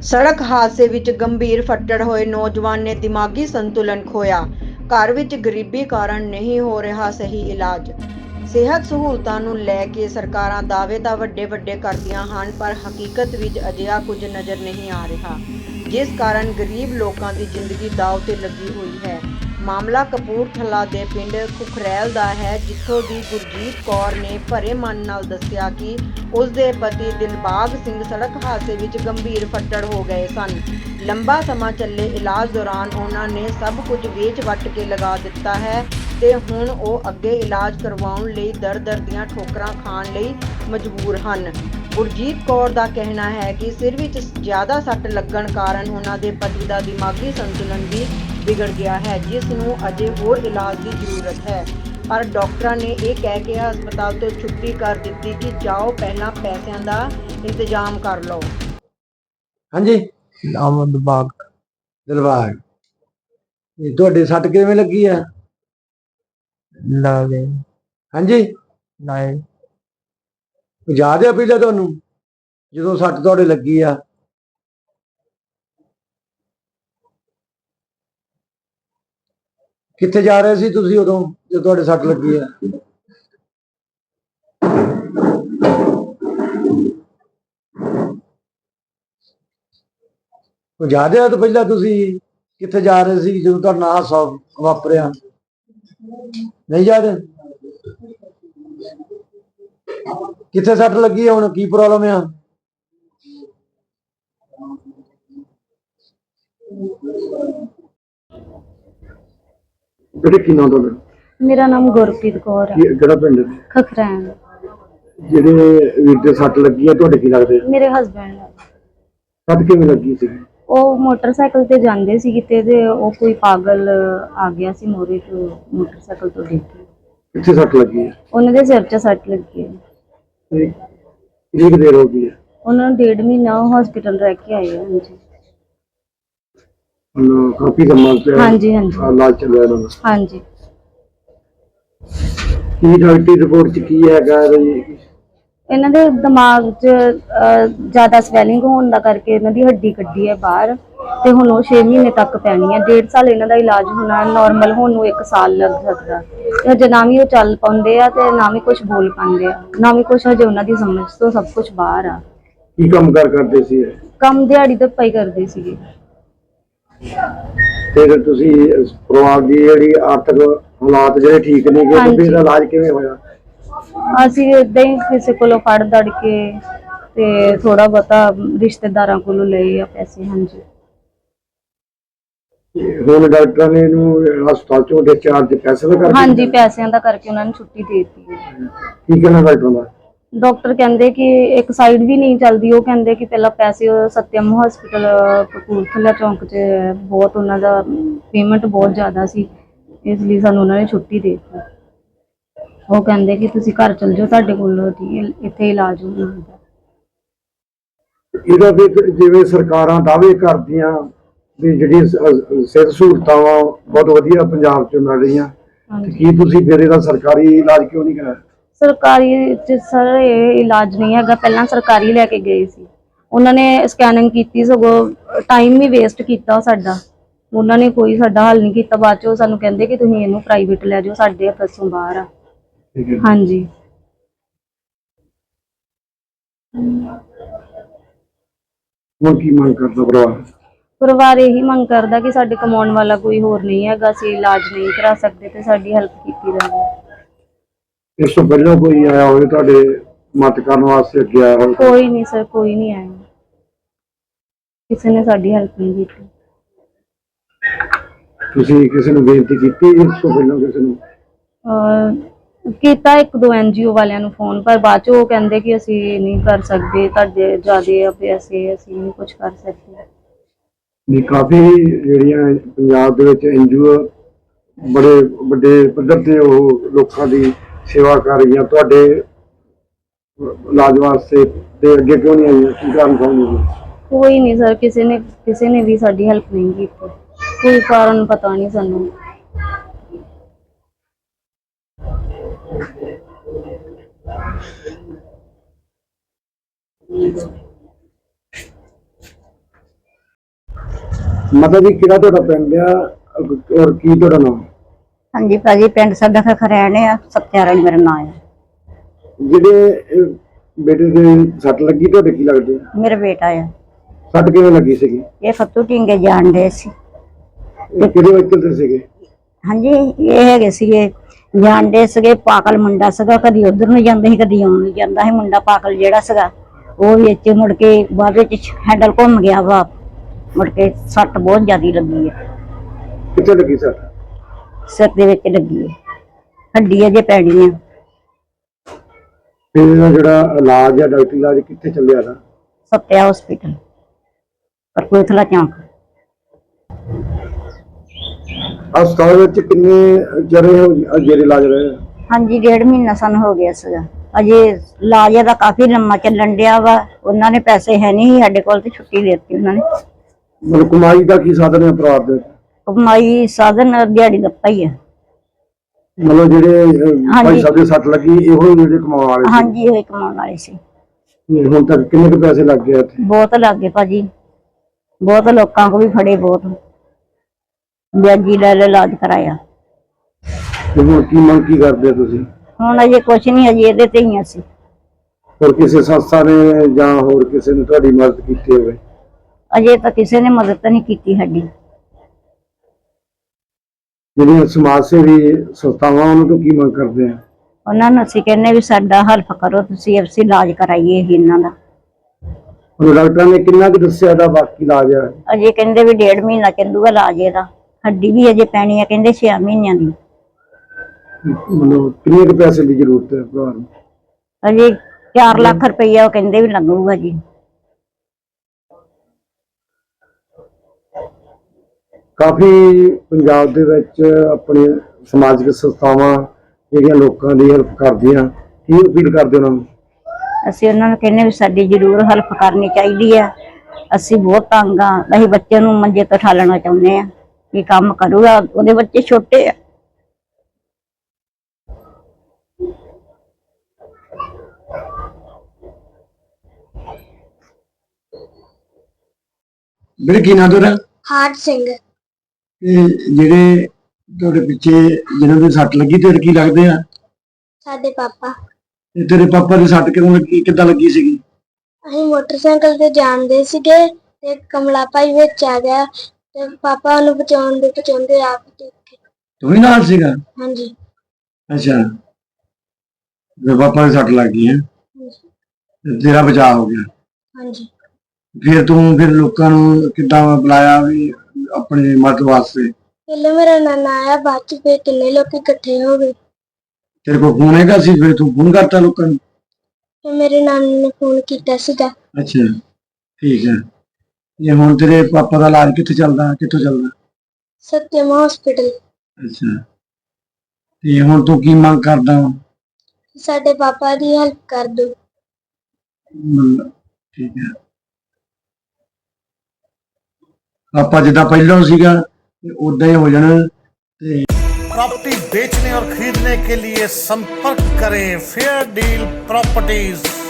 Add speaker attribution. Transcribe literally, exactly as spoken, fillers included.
Speaker 1: सड़क हादसे विच गंभीर फट्टड़ होए नौजवान ने दिमागी संतुलन खोया। घर विच गरीबी कारण नहीं हो रहा सही इलाज। सेहत सहूलतां नूं लै के सरकारां दावे तां वड्डे वड्डे करदियां हन, पर हकीकत विच अजिहा कुਝ नज़र नहीं आ रहा, जिस कारण गरीब लोकां दी जिंदगी दाव ते लगी हुई है। मामला कपूरथला दे पिंड खुखरैल दा है, जिੱਥੋਂ ਦੀ ਗੁਰਜੀਤ ਕੌਰ ਨੇ ਭਰੇ ਮਨ ਨਾਲ ਦੱਸਿਆ ਕਿ ਉਸ ਦੇ ਪਤੀ ਦਿਲਬਾਗ ਸਿੰਘ ਸੜਕ ਹਾਦਸੇ ਵਿੱਚ ਗੰਭੀਰ ਫੱਟੜ ਹੋ ਗਏ ਸਨ। ਲੰਬਾ ਸਮਾਂ ਚੱਲੇ ਇਲਾਜ ਦੌਰਾਨ ਉਹਨਾਂ ਨੇ ਸਭ ਕੁਝ ਵੇਚ ਵੱਟ ਕੇ ਲਗਾ ਦਿੱਤਾ ਹੈ ਤੇ ਹੁਣ ਉਹ ਅੱਗੇ ਇਲਾਜ ਕਰਵਾਉਣ ਲਈ ਦਰ ਦਰ ਦੀਆਂ ਠੋਕਰਾਂ ਖਾਣ ਲਈ ਮਜਬੂਰ ਹਨ। ਗੁਰਜੀਤ ਕੌਰ ਦਾ ਕਹਿਣਾ ਹੈ ਕਿ ਸਿਰ ਵਿੱਚ ਜ਼ਿਆਦਾ ਸੱਟ ਲੱਗਣ ਕਾਰਨ ਉਹਨਾਂ ਦੇ ਪਤੀ ਦਾ ਦਿਮਾਗੀ ਸੰਤੁਲਨ ਵੀ ਵਿਗੜ ਗਿਆ ਹੈ, ਜਿਸ ਨੂੰ ਅਜੇ ਹੋਰ ਇਲਾਜ ਦੀ ਜ਼ਰੂਰਤ ਹੈ। ਪਰ ਡਾਕਟਰਾਂ ਨੇ ਇਹ ਕਹਿ ਕੇ ਹਸਪਤਾਲ ਤੋਂ ਛੁੱਟੀ ਕਰ ਦਿੱਤੀ ਕਿ ਜਾਓ, ਪਹਿਲਾਂ ਪੈਸਿਆਂ ਦਾ ਇੰਤਜ਼ਾਮ ਕਰ ਲਓ।
Speaker 2: ਹਾਂਜੀ,
Speaker 3: ਨਾਮ ਦਿਲਬਾਗ।
Speaker 2: ਦਿਲਬਾਗ, ਇਹ ਤੁਹਾਡੇ ਸੱਟ ਕਿਵੇਂ ਲੱਗੀ ਆ?
Speaker 3: ਲੱਗ ਗਏ
Speaker 2: ਹਾਂਜੀ,
Speaker 3: ਨਾਏ
Speaker 2: ਯਾਦ ਆ ਪਹਿਲਾਂ ਤੁਹਾਨੂੰ ਜਦੋਂ ਸੱਟ ਤੁਹਾਡੇ ਲੱਗੀ ਆ? ਕਿੱਥੇ ਜਾ ਰਹੇ ਸੀ ਤੁਸੀਂ ਉਦੋਂ ਜਦੋਂ ਤੁਹਾਡੇ ਸੱਟ ਲੱਗੀ ਆ? ਯਾਦ ਆ ਤਾਂ ਪਹਿਲਾਂ ਤੁਸੀਂ ਕਿੱਥੇ ਜਾ ਰਹੇ ਸੀ ਜਦੋਂ ਤੁਹਾਡਾ ਨਾਲ ਹਾਦਸਾ ਵਾਪਰਿਆ? ਨਹੀਂ ਯਾਦ? ਕਿੱਥੇ ਸੱਟ ਲੱਗੀ ਆ? ਹੁਣ ਕੀ ਪ੍ਰੋਬਲਮ ਆ? ਬੇਟੇ ਕੀ ਨਾਮ ਤੁਹਾਡਾ?
Speaker 4: ਮੇਰਾ ਨਾਮ ਗੁਰਪ੍ਰੀਤ ਕੌਰ ਹੈ।
Speaker 2: ਕਿਹੜਾ ਪਿੰਡ?
Speaker 4: ਖਖਰੈਣ।
Speaker 2: ਜਿਹੜੇ ਵੀਰ ਦੇ ਸੱਟ ਲੱਗੀ ਆ ਤੁਹਾਡੇ ਕੀ ਲੱਗਦੇ?
Speaker 4: ਮੇਰੇ ਹਸਬੈਂਡ ਹੈ।
Speaker 2: ਸੱਟ ਕਿਵੇਂ ਲੱਗੀ ਸੀ?
Speaker 4: ਉਹ ਮੋਟਰਸਾਈਕਲ ਤੇ ਜਾਂਦੇ ਸੀ ਕਿਤੇ ਤੇ ਉਹ ਕੋਈ ਪਾਗਲ ਆ ਗਿਆ ਸੀ ਮੋਰੇ ਤੋਂ, ਮੋਟਰਸਾਈਕਲ ਤੋਂ ਡਿੱਗ ਗਏ।
Speaker 2: ਕਿੱਥੇ ਸੱਟ ਲੱਗੀ ਹੈ?
Speaker 4: ਉਹਨਾਂ ਦੇ ਸਿਰ 'ਚ ਸੱਟ ਲੱਗੀ ਹੈ।
Speaker 2: ਕਿੰਨੀ ਦੇਰ ਹੋ ਗਈ ਹੈ?
Speaker 4: ਉਹਨਾਂ ਨੂੰ ਡੇਢ ਮਹੀਨਾ ਹਸਪੀਟਲ ਰਹਿ ਕੇ ਆਏ ਆ। ਹਾਂਜੀ
Speaker 2: ਹੁਣ ਕਾਫੀ ਸਮਾਂ ਤੇ
Speaker 4: ਹਾਂਜੀ ਹਾਂਜੀ
Speaker 2: ਇਲਾਜ ਚੱਲ ਰਿਹਾ ਇਹਨਾਂ ਦਾ।
Speaker 4: ਹਾਂਜੀ।
Speaker 2: ਕੀ ਡਾਕਟਰੀ ਰਿਪੋਰਟ 'ਚ ਕੀ ਹੈਗਾ ਜੀ?
Speaker 4: ਇਹਨਾਂ ਦੇ ਦਿਮਾਗ 'ਚ ਜ਼ਿਆਦਾ ਸਵੈਲਿੰਗ ਹੋਣ ਦਾ ਕਰਕੇ ਇਹਨਾਂ ਦੀ ਹੱਡੀ ਕੱਢੀ ਹੈ ਬਾਹਰ, ਤੇ ਹੁਣ ਉਹ ਛੇ ਮਹੀਨੇ ਤੱਕ ਪੈਣੀ ਹੈ। ਡੇਢ ਸਾਲ ਇਹਨਾਂ ਦਾ ਇਲਾਜ ਹੋਣਾ, ਨੋਰਮਲ ਹੋਣ ਨੂੰ ਇੱਕ ਸਾਲ ਲੱਗ ਸਕਦਾ। ਹਜੇ ਨਾ ਵੀ ਉਹ ਚੱਲ ਪਾਉਂਦੇ ਆ ਤੇ ਨਾ ਵੀ ਕੁਛ ਬੋਲ ਪਾਉਂਦੇ ਆ, ਨਾ ਵੀ ਕੁਛ ਹਜੇ ਉਹਨਾਂ ਦੀ ਸਮਝ ਤੋਂ ਸਭ ਕੁਛ ਬਾਹਰ ਆ।
Speaker 2: ਕੀ ਕੰਮ ਕਾਰ ਕਰਦੇ ਸੀ?
Speaker 4: ਕੰਮ ਦਿਹਾੜੀ ਤੇ ਪਈ ਕਰਦੇ ਸੀਗੇ।
Speaker 2: ਫਿਰ ਤੁਸੀਂ ਪਰਿਵਾਰ ਦੀ ਜਿਹੜੀ ਆਰਥਿਕ ਹਾਲਾਤ ਜਿਹੜੇ ਠੀਕ ਨਹੀਂ ਗਏ ਤੇ ਫਿਰ ਇਲਾਜ ਕਿਵੇਂ ਹੋਇਆ?
Speaker 4: ਅਸੀਂ ਏਦਾਂ ਹੀ ਕਿਸੇ ਕੋਲੋਂ ਫੜ ਦੜ ਕੇ ਤੇ ਥੋੜਾ ਬਹੁਤਾ ਰਿਸ਼ਤੇਦਾਰਾਂ ਕੋਲੋਂ ਲਏ ਆ ਪੈਸੇ। ਹਾਂਜੀ।
Speaker 2: ਹੁਣ ਡਾਕਟਰਾਂ ਨੇ ਇਹਨੂੰ ਹਸਪਤਾਲ ਚੋਂ ਡਿਸਚਾਰਜ ਪੈਸੇ ਦਾ ਕਰਕੇ?
Speaker 4: ਹਾਂਜੀ, ਪੈਸਿਆਂ ਦਾ ਕਰਕੇ ਉਹਨਾਂ ਨੇ ਛੁੱਟੀ ਦੇ ਦਿੱਤੀ ਹੈ।
Speaker 2: ਕੀ ਕਹਿਣਾ ਡਾਕਟਰ ਦਾ?
Speaker 4: ਡਾਕਟਰ ਕਹਿੰਦੇ ਕਿ ਇੱਕ ਸਾਈਡ ਵੀ ਨਹੀਂ ਚੱਲਦੀ। ਉਹ ਕਹਿੰਦੇ ਕਿ ਪਹਿਲਾਂ ਪੈਸੇ ਸਤਿਅਮ ਹਸਪੀਟਲ ਕਪੂਰਥਲਾ ਚੌਂਕ 'ਚ ਬਹੁਤ ਉਹਨਾਂ ਦਾ ਪੇਮੈਂਟ ਬਹੁਤ ਜ਼ਿਆਦਾ ਸੀ, ਇਸ ਲਈ ਸਾਨੂੰ ਉਹਨਾਂ ਨੇ ਛੁੱਟੀ ਦੇ ਦਿੱਤੀ। ਉਹ ਕਹਿੰਦੇ ਕਿ ਤੁਸੀਂ ਘਰ ਚਲ ਜਾਓ, ਤੁਹਾਡੇ ਕੋਲ ਇੱਥੇ ਇਲਾਜ ਹੋਣਾ ਹੁੰਦਾ।
Speaker 2: ਇਹਦਾ ਵੀ ਜਿਵੇਂ ਸਰਕਾਰਾਂ ਦਾਅਵੇ ਕਰਦੀਆਂ ਵੀ ਜਿਹੜੀਆਂ ਸਿਹਤ ਸਹੂਲਤਾਂ ਵਾ ਬਹੁਤ ਵਧੀਆ ਪੰਜਾਬ 'ਚ ਮਿਲ ਰਹੀਆਂ, ਕੀ ਤੁਸੀਂ ਫਿਰ ਇਹਦਾ ਸਰਕਾਰੀ ਇਲਾਜ ਕਿਉਂ ਨਹੀਂ ਕਰਾਇਆ?
Speaker 4: ਸਰਕਾਰੀ 'ਚ ਸਰ ਇਹ ਇਲਾਜ ਨਹੀਂ ਹੈਗਾ। ਪਹਿਲਾਂ ਸਰਕਾਰੀ ਲੈ ਕੇ ਗਏ ਸੀ, ਉਹਨਾਂ ਨੇ ਸਕੈਨਿੰਗ ਕੀਤੀ, ਸਗੋਂ ਟਾਈਮ ਵੀ ਵੇਸਟ ਕੀਤਾ ਸਾਡਾ। ਉਹਨਾਂ ਨੇ ਕੋਈ ਸਾਡਾ ਹੱਲ ਨਹੀਂ ਕੀਤਾ। ਬਾਅਦ 'ਚ ਉਹ ਸਾਨੂੰ ਕਹਿੰਦੇ ਕਿ ਤੁਸੀਂ ਇਹਨੂੰ ਪ੍ਰਾਈਵੇਟ ਲੈ ਜਾਓ, ਸਾਡੇ ਹੱਥੋਂ ਬਾਹਰ ਆ। ਹਾਂਜੀ।
Speaker 2: ਹੁਣ ਕੀ ਮੰਗ ਕਰਦਾ ਪਰਿਵਾਰ?
Speaker 4: ਪਰਿਵਾਰ ਇਹੀ ਮੰਗ ਕਰਦਾ ਕਿ ਸਾਡੇ ਕਮਾਉਣ ਵਾਲਾ ਕੋਈ ਹੋਰ ਨਹੀਂ ਹੈਗਾ, ਅਸੀਂ ਇਲਾਜ ਨਹੀਂ ਕਰਾ ਸਕਦੇ ਤੇ ਸਾਡੀ ਹੈਲਪ ਕੀਤੀ ਜਾਵੇ।
Speaker 2: ਇਸ ਤੋਂ ਪਹਿਲਾਂ ਕੋਈ ਆਇਆ ਹੋਵੇ ਤੁਹਾਡੇ ਮਦਦ ਕਰਨ ਵਾਸਤੇ ਅੱਗੇ ਆਇਆ ਹੋਵੇ?
Speaker 4: ਕੋਈ ਨਹੀਂ ਸਰ, ਕੋਈ ਨਹੀਂ ਆਇਆ। ਕਿਸੇ ਨੇ ਸਾਡੀ ਹੈਲਪ ਨਹੀਂ ਕੀਤੀ।
Speaker 2: ਤੁਸੀਂ ਕਿਸੇ ਨੂੰ ਬੇਨਤੀ ਕੀਤੀ ਇਸ ਤੋਂ ਪਹਿਲਾਂ ਕਿਸੇ ਨੂੰ?
Speaker 4: ਕੀਤਾ ਇੱਕ ਦੋ ਐਨ ਜੀ ਓ ਵਾਲਿਆਂ ਨੂੰ ਫੋਨ, ਪਰ ਬਾਅਦ 'ਚ ਉਹ ਕਹਿੰਦੇ ਕਿ ਅਸੀਂ ਨਹੀਂ ਕਰ ਸਕਦੇ, ਤੁਹਾਡੇ ਜ਼ਿਆਦੇ ਆ ਪੈਸੇ, ਅਸੀਂ ਨਹੀਂ ਕੁਛ ਕਰ ਸਕਦੇ।
Speaker 2: ਨਹੀਂ, ਕਾਫੀ ਜਿਹੜੀਆਂ ਪੰਜਾਬ ਦੇ ਵਿੱਚ ਐਨ ਜੀ ਓ ਬੜੇ ਵੱਡੇ ਪੱਧਰ ਤੇ ਉਹ ਲੋਕਾਂ ਦੀ ਸੇਵਾ ਕਰ ਰਹੀਆਂ, ਤੁਹਾਡੇ ਇਲਾਜ ਵਾਸਤੇ ਤੇ ਅੱਗੇ ਕਿਉਂ ਨਹੀਂ ਆਈਆਂ? ਕੀ ਕਾਰਨ ਸਮਝਦੇ?
Speaker 4: ਕੋਈ ਨਹੀਂ ਸਰ, ਕਿਸੇ ਨੇ ਕਿਸੇ ਨੇ ਵੀ ਸਾਡੀ ਹੈਲਪ ਨਹੀਂ ਕੀਤੀ। ਕੋਈ ਕਾਰਨ ਪਤਾ ਨਹੀਂ ਸਾਨੂੰ।
Speaker 2: ਮਾਤਾ ਜੀ ਕਿਹੜਾ ਤੁਹਾਡਾ ਪਿੰਡ ਆ ਔਰ ਕੀ ਤੁਹਾਡਾ ਨਾਮ?
Speaker 5: ਹਾਂਜੀ ਭਾਜੀ, ਪਿੰਡ ਸਾਡਾ ਖਰੈਣ ਆ, ਸਤਿਆਰਾਣੀ ਮੇਰਾ ਨਾਂ ਆ।
Speaker 2: ਜਿਹੜੇ ਇਹ ਬੇਟੇ ਦੇ ਸੱਟ ਲੱਗੀ ਤੁਹਾਡੇ ਕੀ ਲੱਗਦੇ ਆ?
Speaker 5: ਮੇਰਾ ਬੇਟਾ ਆ।
Speaker 2: ਸੱਟ ਕਿਵੇਂ ਲੱਗੀ ਸੀਗੀ?
Speaker 5: ਇਹ ਫੱਤੂ ਢੀਂਗੇ ਜਾਣ ਦੇ ਸੀ।
Speaker 2: ਇਹ ਕਿਹੜੇ ਵਕਤ ਤੇ ਸੀਗੇ?
Speaker 5: ਹਾਂਜੀ, ਇਹ ਹੈਗੇ ਸੀਗੇ ਜਾਣਦੇ ਸੀਗੇ, ਪਾਗਲ ਮੁੰਡਾ ਸੀਗਾ, ਕਦੀ ਉਧਰ ਨੂੰ ਜਾਂਦਾ ਸੀ ਕਦੀ ਆਉਣ ਨੂੰ ਜਾਂਦਾ ਸੀ। ਮੁੰਡਾ ਪਾਗਲ ਜਿਹੜਾ ਸੀਗਾ ਉਹ ਵਿੱਚ ਮੁੜ ਕੇ ਬਾਅਦ ਵਿੱਚ ਹੈਂਡਲ ਘੁੰਮ ਗਿਆ ਵਾ, ਮੁੜ ਕੇ ਸੱਟ ਬਹੁਤ ਜ਼ਿਆਦੀ ਲੱਗੀ ਹੈ।
Speaker 2: ਕਿੱਥੇ ਲੱਗੀ ਸੱਟ?
Speaker 5: ਸਿਰ ਦੇ ਵਿੱਚ ਲੱਗੀ ਹੈ, ਹੱਡੀ ਅਜੇ ਪੈਣੀ ਆ।
Speaker 2: ਫਿਰ ਇਹਦਾ ਜਿਹੜਾ ਇਲਾਜ ਆ, ਡਾਕਟਰੀ ਇਲਾਜ ਕਿੱਥੇ ਚੱਲਿਆ ਦਾ?
Speaker 5: ਸੱਤਿਆ ਹਸਪੀਟਲ ਕਪੂਰਥਲਾ ਚੌਂਕ।
Speaker 2: ਹਸਪਤਾਲ ਵਿੱਚ ਕਿੰਨੇ ਜਰੇ ਜਿਹੜੇ ਇਲਾਜ ਰਹੇ?
Speaker 5: ਹਾਂਜੀ, ਡੇਢ ਮਹੀਨਾ ਸਾਨੂੰ ਹੋ ਗਿਆ ਸੀਗਾ। ਅਜੇ ਇਲਾਜ ਦਾ ਕਾਫੀ ਲੰਮਾ ਚੱਲਣ ਡਿਆ ਵਾ। ਉਹਨਾਂ ਨੇ ਪੈਸੇ ਹੈ ਨਹੀਂ ਸਾਡੇ ਕੋਲ ਤੇ ਛੁੱਟੀ ਦੇ ਦਿੱਤੀ ਉਹਨਾਂ ਨੇ।
Speaker 2: ਮਤਲਬ ਕਮਾਈ ਦਾ ਕੀ ਸਾਧਨ ਹੈ ਪਰਿਵਾਰ ਦੇ?
Speaker 5: ਕਮਾਈ ਸਾਧਨ ਦਿਹਾੜੀ ਦੱਪਾ ਹੀ ਹੈ।
Speaker 2: ਮਤਲਬ ਜਿਹੜੇ ਅਹ, ਭਾਈ
Speaker 5: ਹਾਂਜੀ।
Speaker 2: ਸਾਹਿਬ ਦੇ ਸੱਟ ਲੱਗੀ ਇਹੋ ਹੀ ਜਿਹੜੇ ਕਮਾਉਣ ਵਾਲੇ ਸੀ?
Speaker 5: ਹਾਂਜੀ, ਇਹ ਕਮਾਉਣ ਵਾਲੇ ਸੀ।
Speaker 2: ਤੇ ਹੁਣ ਤੱਕ ਕਿੰਨੇ ਕੁ ਪੈਸੇ ਲੱਗ ਗਏ ਇੱਥੇ?
Speaker 5: ਬਹੁਤ ਲੱਗੇ ਭਾਜੀ, ਬਹੁਤ ਲੋਕਾਂ ਕੋ ਵੀ ਫੜੇ, ਬਹੁਤ ਵਿਆਜੀ ਲੈ ਲੈ ਇਲਾਜ ਕਰਾਇਆ।
Speaker 2: ਤੇ ਹੁਣ ਕੀ ਮੰਗ ਕੀ ਕਰਦੇ ਹੋ ਤੁਸੀਂ?
Speaker 5: ਹੁਣ ਅਜੇ ਕੁਛ ਨਹੀਂ, ਅਜੇ ਇਹਦੇ ਤੇ ਹੀ ਅਸੀਂ।
Speaker 2: ਹੋਰ ਕਿਸੇ ਸੰਸਥਾ ਨੇ ਜਾਂ ਹੋਰ ਕਿਸੇ ਨੇ ਤੁਹਾਡੀ ਮਦਦ ਕੀਤੀ ਹੋਵੇ?
Speaker 5: ਅਜੇ ਤਾਂ ਕਿਸੇ ਨੇ ਮਦਦ ਤਾਂ ਨਹੀਂ ਕੀਤੀ ਸਾਡੀ।
Speaker 2: ਜਿਹੜੀਆਂ ਸਮਾਜ ਸੇਵੀ ਸੰਸਥਾਵਾਂ ਉਹਨਾਂ ਤੋਂ ਕੀ ਮੰਗ ਕਰਦੇ ਆ?
Speaker 5: ਉਹਨਾਂ ਨੂੰ ਅਸੀਂ ਕਹਿੰਦੇ ਵੀ ਸਾਡਾ ਹੈਲਪ ਕਰੋ, ਤੁਸੀਂ ਅਸੀਂ ਇਲਾਜ ਕਰਾਈਏ ਇਹ ਇਹਨਾਂ ਦਾ।
Speaker 2: ਹੁਣ ਡਾਕਟਰਾਂ ਨੇ ਕਿੰਨਾ ਕੁ ਦੱਸਿਆ ਦਾ ਬਾਕੀ ਇਲਾਜ ਆ?
Speaker 5: ਅਜੇ ਕਹਿੰਦੇ ਵੀ ਡੇਢ ਮਹੀਨਾ ਚੱਲੂਗਾ ਇਲਾਜ ਇਹਦਾ। ਹੱਡੀ ਵੀ ਅਜੇ ਪੈਣੀ ਆ, ਕਹਿੰਦੇ ਛੇ ਮਹੀਨਿਆਂ ਦੀ।
Speaker 2: ਮਤਲਬ ਕਿੰਨੇ ਕੁ ਪੈਸੇ ਦੀ ਜ਼ਰੂਰਤ ਹੈ ਪਰਿਵਾਰ ਨੂੰ?
Speaker 5: ਅਜੇ ਚਾਰ ਲੱਖ ਰੁਪਈਆ ਉਹ ਕਹਿੰਦੇ ਵੀ ਲੱਗੂਗਾ ਜੀ।
Speaker 2: ਕਾਫੀ ਪੰਜਾਬ ਦੇ ਵਿੱਚ ਆਪਣੇ ਸਮਾਜਿਕ ਸੰਸਥਾਵਾਂ ਜਿਹੜੀਆਂ ਲੋਕਾਂ ਦੀ ਹੈਲਪ ਕਰਦੀਆਂ, ਕੀ ਅਪੀਲ ਕਰਦੇ ਉਹਨਾਂ ਨੂੰ?
Speaker 5: ਅਸੀਂ ਉਹਨਾਂ ਨੂੰ ਕਹਿੰਦੇ ਵੀ ਸਾਡੀ ਜ਼ਰੂਰ ਹੈਲਪ ਕਰਨੀ ਚਾਹੀਦੀ ਆ। ਅਸੀਂ ਬਹੁਤ ਤੰਗ ਆ, ਅਸੀਂ ਬੱਚੇ ਨੂੰ ਮੰਜੇ ਤੋਂ ਠਾਲਣਾ ਚਾਹੁੰਦੇ ਆ। ਇਹ ਕੰਮ ਕਰੂਗਾ, ਉਹਦੇ ਬੱਚੇ ਛੋਟੇ ਆ।
Speaker 2: ਵੀਰੇ ਕੀ ਨਾਂ ਤੁਹਾਡਾ?
Speaker 6: ਹਾਰ ਸਿੰਘ।
Speaker 2: ਇਹ ਜਿਹੜੇ ਤੁਹਾਡੇ ਪਿੱਛੇ ਜਿਹਨਾਂ ਦੇ ਸੱਟ ਲੱਗੀ ਤੇਰੇ ਕੀ ਲੱਗਦੇ ਆ?
Speaker 6: ਸਾਡੇ ਪਾਪਾ।
Speaker 2: ਤੇ ਤੇਰੇ ਪਾਪਾ ਦੀ ਸੱਟ ਕਿਉਂ ਲੱਗੀ, ਕਿੱਦਾਂ ਲੱਗੀ ਸੀਗੀ?
Speaker 6: ਅਸੀਂ ਮੋਟਰਸਾਈਕਲ ਤੇ ਜਾਂਦੇ ਸੀਗੇ ਤੇ ਕਮਲਾ ਭਾਈ ਵਿੱਚ ਆ ਗਿਆ ਤੇ ਪਾਪਾ ਨੂੰ ਬਚਾਉਣ ਦੇ ਬਚਾਉਂਦੇ ਆਪ ਦੇਖੇ।
Speaker 2: ਤੂੰ ਵੀ ਨਾਲ ਸੀਗਾ?
Speaker 6: ਹਾਂਜੀ।
Speaker 2: ਅੱਛਾ, ਤੇ ਪਾਪਾ ਦੀ ਸੱਟ ਲੱਗ ਗਈ ਹੈ ਤੇ ਤੇਰਾ ਬਚਾਅ ਹੋ ਗਿਆ।
Speaker 6: ਹਾਂਜੀ।
Speaker 2: ਫਿਰ ਤੂੰ ਫਿਰ ਲੋਕਾਂ ਨੂੰ ਕਿੱਦਾਂ ਬੁਲਾਇਆ ਵੀ ਆਪਣੇ ਮਦਦ ਵਾਸਤੇ?
Speaker 6: ਪਹਿਲੇ ਮੇਰਾ ਨਾਨਾ ਆਇਆ, ਬਾਅਦ ਚ ਫਿਰ ਕਿੰਨੇ ਲੋਕ ਇਕੱਠੇ ਹੋ ਗਏ।
Speaker 2: ਤੇਰੇ ਕੋਲ ਫੋਨ ਹੈਗਾ ਸੀ, ਫਿਰ ਤੂੰ ਫੋਨ ਕਰਤਾ ਲੋਕਾਂ ਨੂੰ?
Speaker 6: ਫਿਰ ਮੇਰੇ ਨਾਨੇ ਨੇ ਫੋਨ ਕੀਤਾ ਸੀਗਾ।
Speaker 2: ਅੱਛਾ, ਠੀਕ ਹੈ। ਇਹ ਹੁਣ ਤੇਰੇ ਪਾਪਾ ਦਾ ਇਲਾਜ ਕਿੱਥੇ ਚੱਲਦਾ, ਕਿੱਥੋਂ ਚੱਲਦਾ?
Speaker 6: ਸਤਿਅਮ ਹਸਪੀਟਲ।
Speaker 2: ਅੱਛਾ, ਤੇ ਹੁਣ ਤੂੰ ਕੀ ਮੰਗ ਕਰਦਾ ਵਾ?
Speaker 6: ਸਾਡੇ ਪਾਪਾ ਦੀ ਹੈਲਪ ਕਰ ਦੋ।
Speaker 2: ਮਤਲਬ ਠੀਕ ਹੈ, ਆਪਾਂ ਜਿੱਦਾਂ ਪਹਿਲਾਂ ਸੀਗਾ ਉਦਾਂ ही हो जाना।
Speaker 7: प्रॉपर्टी बेचने और खरीदने के लिए संपर्क करें फेयर डील प्रॉपर्टीज।